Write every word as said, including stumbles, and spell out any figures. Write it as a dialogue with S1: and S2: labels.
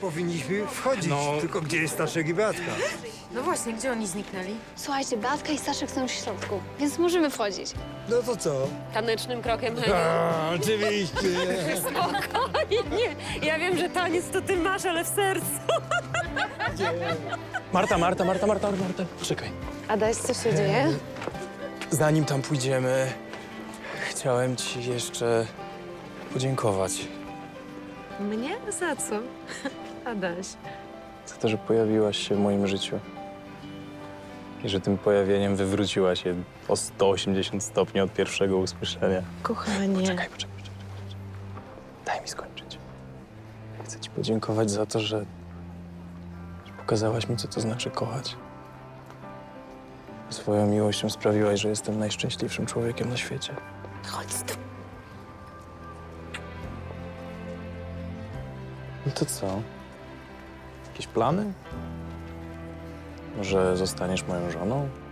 S1: powinniśmy wchodzić.
S2: No.
S1: Tylko gdzie jest Staszek i Beatka?
S3: No właśnie, gdzie oni zniknęli?
S4: Słuchajcie, Beatka i Staszek są w środku, więc możemy wchodzić.
S1: No to co?
S3: Tanecznym krokiem, Heniu.
S1: A, oczywiście.
S3: Spokojnie. Ja wiem, że taniec to ty masz, ale w sercu.
S2: Marta, Marta, Marta, Marta, Marta, poczekaj.
S4: Adaś, co się dzieje?
S2: Zanim tam pójdziemy, chciałem ci jeszcze podziękować
S3: Mnie? Za co? Adaś.
S2: za to, że pojawiłaś się w moim życiu. I że tym pojawieniem wywróciłaś się o sto osiemdziesiąt stopni od pierwszego usłyszenia.
S3: Kochanie.
S2: Czekaj, poczekaj, poczekaj, poczekaj. Daj mi skończyć. Chcę ci podziękować za to, że, że pokazałaś mi, co to znaczy kochać. Swoją miłością sprawiłaś, że jestem najszczęśliwszym człowiekiem na świecie.
S3: Chodź tu.
S2: No to co? Jakieś plany? Może zostaniesz moją żoną?